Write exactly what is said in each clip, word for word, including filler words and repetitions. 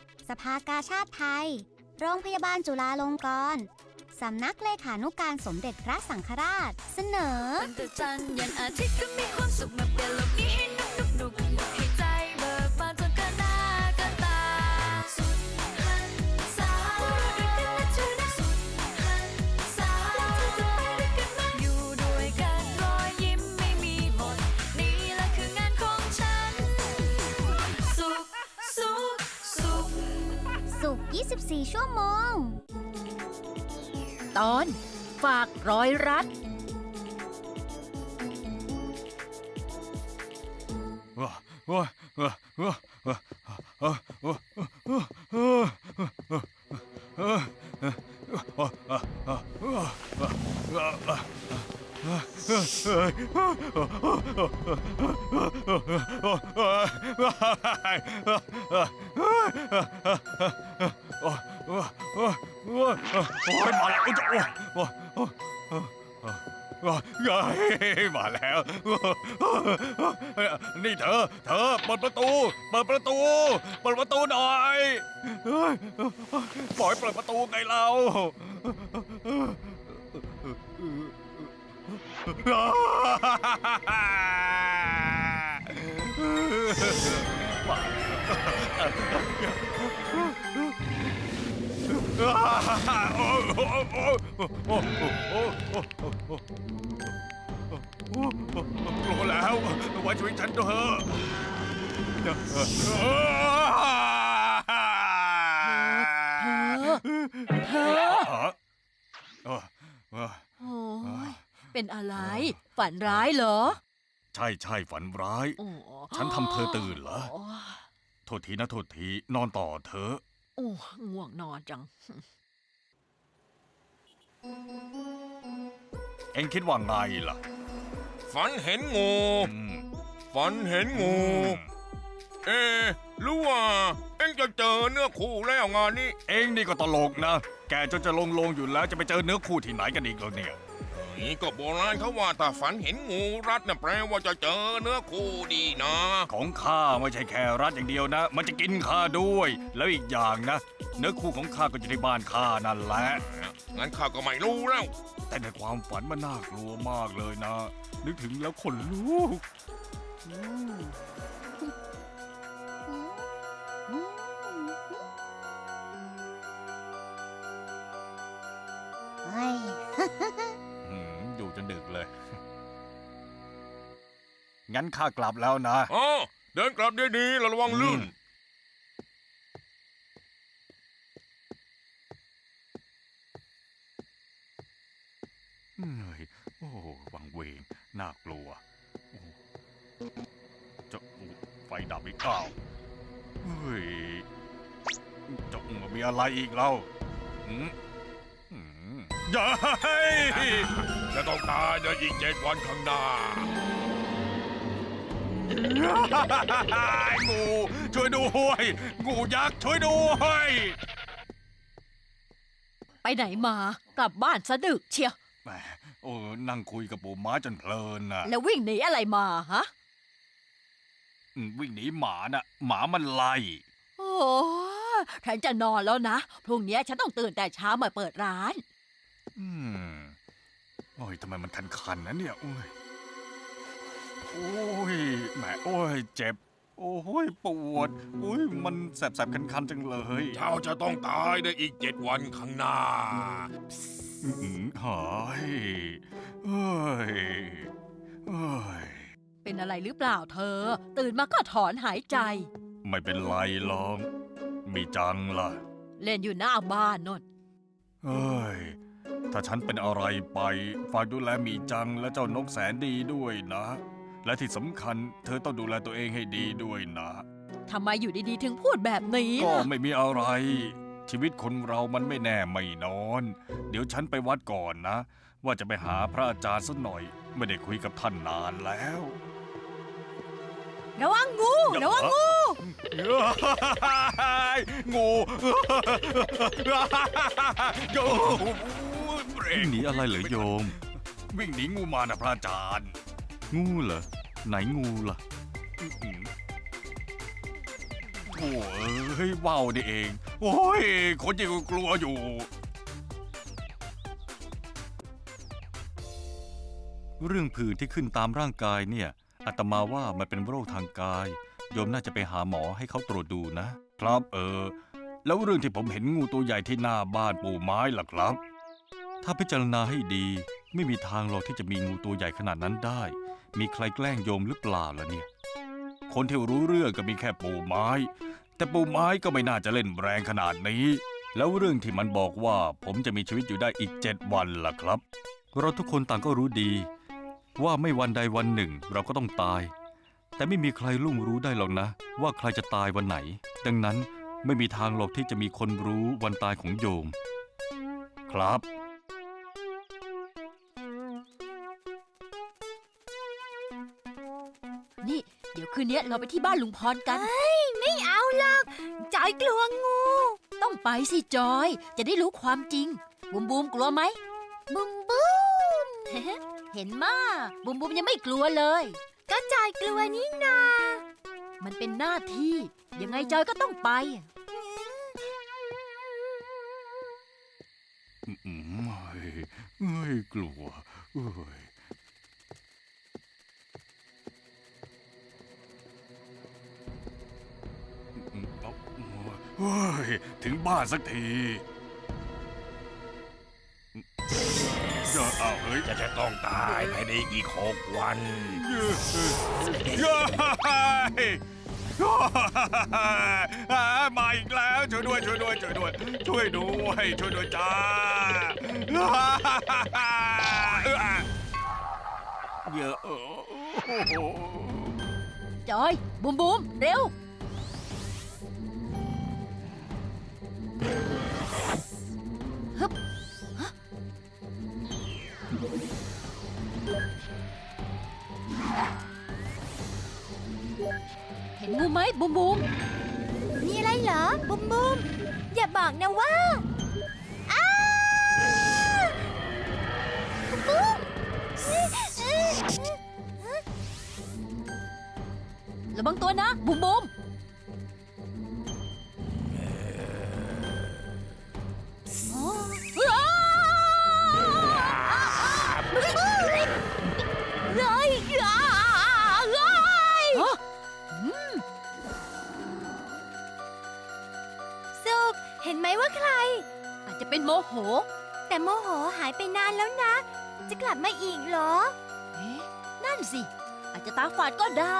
สภากาชาดไทย โรงพยาบาลจุฬาลงกรณ์สำนักเลขานุการสมเด็จพระสังฆราช เสนอตั้งแต่จันทร์ยันอาทิตย์ก็มีความสุขมาเปลี่ยนโลกนี้ให้นุกนุกนุกให้ใจเบิกบานจนเกินหน้าเกินตาสุดหันษาด้วยกันนะเธอนะสุดหันษาแล้วเธอจะไปด้วยกันไหมอยู่ด้วยกันรอยยิ้มไม่มีหมดนี่แหละคืองานของฉันสุขสุขสุขสุข ยี่สิบสี่ ชั่วโมงตอนฝากร้อยรัดโอ้ยมาแล้วโอ้ยมาแล้วนี่เธอเธอเปิดประตูเปิดประตูเปิดประตูหน่อยปล่อยเปิดประตูไงเรากลัวแล้วไว้ช่วยฉันเถอะเธอเธอโอ้ยเป็นอะไรฝันร้ายเหรอใช่ใช่ฝันร้ายฉันทำเธอตื่นเหรอโทษทีนะโทษทีนอนต่อเถอะโอ้ง่วงนอนจังเอ็งคิดว่าไงล่ะฝันเห็นงูฝันเห็นงูเอ๊ะหรือว่าเอ็งจะเจอเนื้อคู่แล้วงานนี้เอ็งนี่ก็ตลกนะแกจนจะลงลงอยู่แล้วจะไปเจอเนื้อคู่ที่ไหนกันอีกแล้วเนี่ยนี่ก็โบราณเขาว่าถ้าฝันเห็นงูรัดน่ะแปลว่าจะเจอเนื้อคู่ดีนะของข้าไม่ใช่แค่รัดอย่างเดียวนะมันจะกินข้าด้วยแล้วอีกอย่างนะเนื้อคู่ของข้าก็อยู่ที่บ้านข้านั่นแหละงั้นข้าก็ไม่รู้แล้วแต่ในความฝันมันน่ากลัวมากเลยนะนึกถึงแล้วขนลุกเฮ้ยอยู่จนดึกเลยงั้นข้ากลับแล้วนะอ๋อเดินกลับดีๆระวังลื่นเหนื่อยโอ้วังเวงน่ากลัวจะไฟดับอีกเปล่าเฮ้ยจะมีอะไรอีกเล่าอย่าจะต้องตายในอีกเจ็ดวันข้างหน้างูช่วยด้วยงูยักษ์ช่วยด้วยไปไหนมากลับบ้านซะดึกเชียวแหมโอ้นั่งคุยกับปู่ม้าจนเพลินน่ะแล้ววิ่งหนีอะไรมาฮะวิ่งหนีหมาน่ะหมามันไล่โอ้ฉันจะนอนแล้วนะพรุ่งนี้ฉันต้องตื่นแต่เช้ามาเปิดร้านอืมโอ้ยทำไมมันคันๆนะเนี่ยโอ้ยโอ้ยแหมโอ้ยเจ็บโอ้ยปวดโอ้ยมันแสบๆคันๆจังเลยเจ้าจะต้องตายในอีกเจ็ดวันข้างหน้าอืมหายเฮ้ยเฮ้ยเป็นอะไรหรือเปล่าเธอตื่นมาก็ถอนหายใจไม่เป็นไรหรอกมีจังล่ะเล่นอยู่หน้าบ้านนนเฮ้ยถ้าฉันเป็นอะไรไปฝากดูแลมีจังและเจ้านกแสนดีด้วยนะและที่สำคัญเธอต้องดูแลตัวเองให้ดีด้วยนะทำไมอยู่ดีๆถึงพูดแบบนี้ก็ไม่มีอะไรชีวิตคนเรามันไม่แน่ไม่นอนเดี๋ยวฉันไปวัดก่อนนะว่าจะไปหาพระอาจารย์สักหน่อยไม่ได้คุยกับท่านนานแล้วระวังงูระวังงูงูวิ่งหนีอะไรเหรอโยมวิ่งหนีงูมานะพระอาจารย์งูเหรอไหนงูล่ะโถ่เอ้ยว่าวนี่เอง โอ้ย คนยิ่งกลัวอยู่ เรื่องผื่นที่ขึ้นตามร่างกายเนี่ยอาตมาว่ามันเป็นโรคทางกาย โยมน่าจะไปหาหมอให้เขาตรวจดูนะ ครับเออ แล้วเรื่องที่ผมเห็นงูตัวใหญ่ที่หน้าบ้านปู่ไม้ล่ะครับ ถ้าพิจารณาให้ดี ไม่มีทางหรอกที่จะมีงูตัวใหญ่ขนาดนั้นได้ มีใครแกล้งโยมหรือเปล่าล่ะเนี่ย คนที่รู้เรื่องก็มีแค่ปู่ไม้ แต่ปู่ไม้ก็ไม่น่าจะเล่นแรงขนาดนี้ แล้วเรื่องที่มันบอกว่าผมจะมีชีวิตอยู่ได้อีกเจ็ดวันล่ะครับ เราทุกคนต่างก็รู้ดี ว่าไม่วันใดวันหนึ่งเราก็ต้องตาย แต่ไม่มีใครล่วงรู้ได้หรอกนะ ว่าใครจะตายวันไหน ดังนั้นไม่มีทางหรอกที่จะมีคนรู้วันตายของโยม ครับนี่ เดี๋ยวคืนนี้เราไปที่บ้านลุงพรกันไม่เอาหรอกจอยกลัวงูต้องไปสิจอย จะได้รู้ความจริง บุมบูมกลัวไหมบุมบูมเห็นมาบุมบุมยังไม่กลัวเลยก็จอยกลัวนี่นามันเป็นหน้าที่ ยังไงจอยก็ต้องไปอืมเฮ้ยเฮ้ยกลัวเฮ้ยอืมเอาเฮ้ยถึงบ้านสักทีเดี๋ยวเอาเฮ้ยจะจะต้องตายภายในอีกหกวันเย้เย้อ่ามาอีกแล้วช่วยด้วยช่วยด้วยช่วยด้วยช่วยด้วยช่วยด้วยจ้าเยอะโอ้โหจอย บุมบุมเร็ว ฮึบฮะเห็นงูไหมบุมบุมมีอะไรเหรอ บุมบูม อย่าบอกนะว่าอ้าบุมบูมระวังตัวนะ บุมบุมอ๋ออ้าเลยอ้าเลยฮะสุกเห็นไหมว่าใครอาจจะเป็นโมโหแต่โมโหหายไปนานแล้วนะ จะกลับมาอีกเหรอเอ๊ะ นั่นสิ อาจจะตาฝาดก็ได้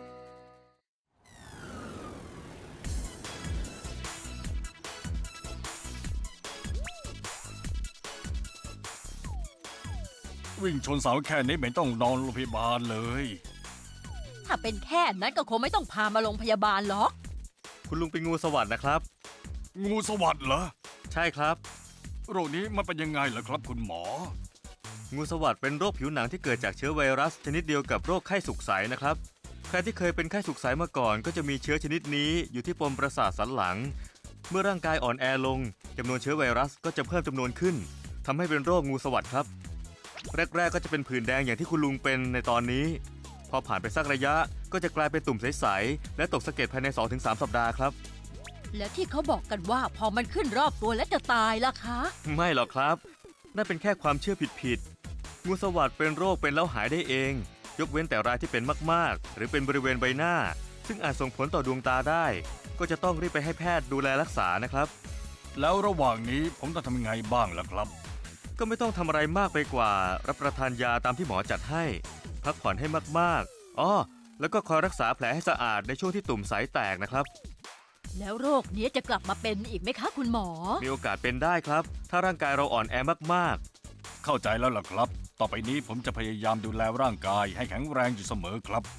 วิ่งชนเสาแค่นี้ไม่ต้องนอนโรงพยาบาลเลยถ้าเป็นแค่นั้นก็คงไม่ต้องพามาโรงพยาบาลหรอกคุณลุงเป็นงูสวัสด์นะครับงูสวัสด์เหรอใช่ครับโรคนี้มันเป็นยังไงเหรอครับคุณหมองูสวัสด์เป็นโรคผิวหนังที่เกิดจากเชื้อไวรัสชนิดเดียวกับโรคไข้สุกใสนะครับ ใครที่เคยเป็นไข้สุกใสมาก่อนก็จะมีเชื้อชนิดนี้อยู่ที่ปมประสาทสันหลัง เมื่อร่างกายอ่อนแอลงจำนวนเชื้อไวรัสก็จะเพิ่มจำนวนขึ้นทำให้เป็นโรคงูสวัสด์ครับ แรกๆก็จะเป็นผื่นแดงอย่างที่คุณลุงเป็นในตอนนี้ พอผ่านไปสักระยะก็จะกลายเป็นตุ่มใสๆและตกสะเก็ดภายใน สองถึงสาม สัปดาห์ครับแล้วที่เขาบอกกันว่าพอมันขึ้นรอบตัวแล้วจะตายล่ะคะไม่หรอกครับ นั่นเป็นแค่ความเชื่อผิดๆ งูสวัสด์เป็นโรคเป็นแล้วหายได้เอง ยกเว้นแต่รายที่เป็นมากๆ หรือเป็นบริเวณใบหน้า ซึ่งอาจส่งผลต่อดวงตาได้ ก็จะต้องรีบไปให้แพทย์ดูแลรักษานะครับแล้วระหว่างนี้ผมต้องทำยังไงบ้างล่ะครับก็ไม่ต้องทำอะไรมากไปกว่า รับประทานยาตามที่หมอจัดให้ พักผ่อนให้มากๆอ้อแล้วก็คอยรักษาแผลให้สะอาดในช่วงที่ตุ่มใสแตกนะครับแล้วโรคนี้จะกลับมาเป็นอีกไหมคะคุณหมอมีโอกาสเป็นได้ครับ ถ้าร่างกายเราอ่อนแอมากๆเข้าใจแล้วล่ะครับ ต่อไปนี้ผมจะพยายามดูแลร่างกายให้แข็งแรงอยู่เสมอครับ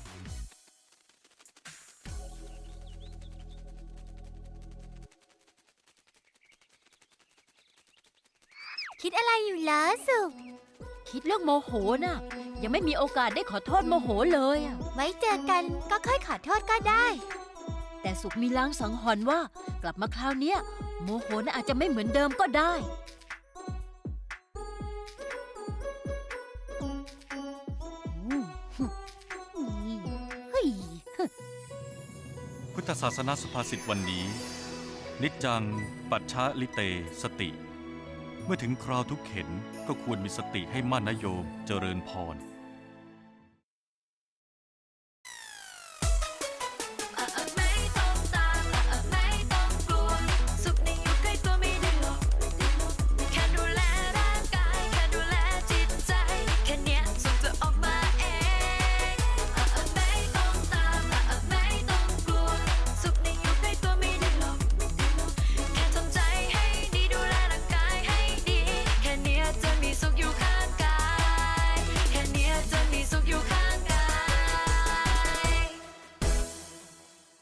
คิดอะไรอยู่เหรอสุกคิดเรื่องโมโหน่ะ ยังไม่มีโอกาสได้ขอโทษโมโหเลยอะไว้เจอกันก็ค่อยขอโทษก็ได้แต่สุขมีลางสังหรณ์ว่า กลับมาคราวเนี้ยโมโหน่ะอาจจะไม่เหมือนเดิมก็ได้คุณธศาสนาสุภาษิตวันนี้ นิจจัง ปัจฉาลิเต สติ เมื่อถึงคราวทุกเข็นก็ควรมีสติให้มั่นนะโยมเจริญพร